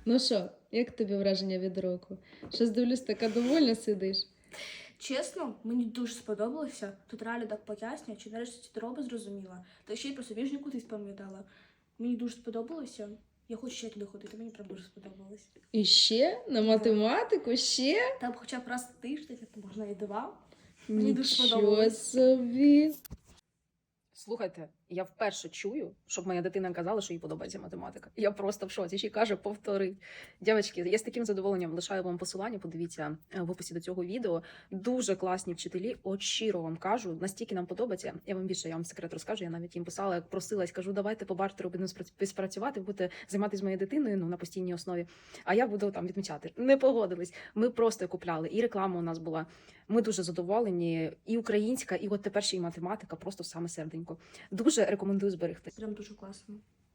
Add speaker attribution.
Speaker 1: Ну що, як тобі враження від року? Щось дивлюсь, така довольна сидиш.
Speaker 2: Чесно, мені дуже сподобалося. Тут реально так пояснює, чи нарешті ці дроби зрозуміла. Та ще й про собіжнику ти спам'ятала. Мені дуже сподобалося. Я хочу ще туди ходити, мені прям дуже сподобалось.
Speaker 1: І ще на математику, ще?
Speaker 2: Там хоча б раз в тиждень, то можна і два. Мені дуже
Speaker 1: Нічого
Speaker 2: сподобалось.
Speaker 1: собі.
Speaker 3: Слухайте, я вперше чую, щоб моя дитина казала, що їй подобається математика. Я просто в шоці. Ще й каже, повтори. Дівчатки, я з таким задоволенням лишаю вам посилання, подивіться в описі до цього відео. Дуже класні вчителі, от щиро вам кажу, настільки нам подобається. Я вам секрет розкажу, я навіть їм писала, як просилась, кажу, давайте по бартеру будемо співпрацювати, будете займатися з моєю дитиною на постійній основі, а я буду там відмічати. Не погодились. Ми просто купляли, і реклама у нас була. Ми дуже задоволені, і українська, і от тепер ще й математика, просто саме серденько. Дуже рекомендую зберегти.
Speaker 2: Прям дуже класно.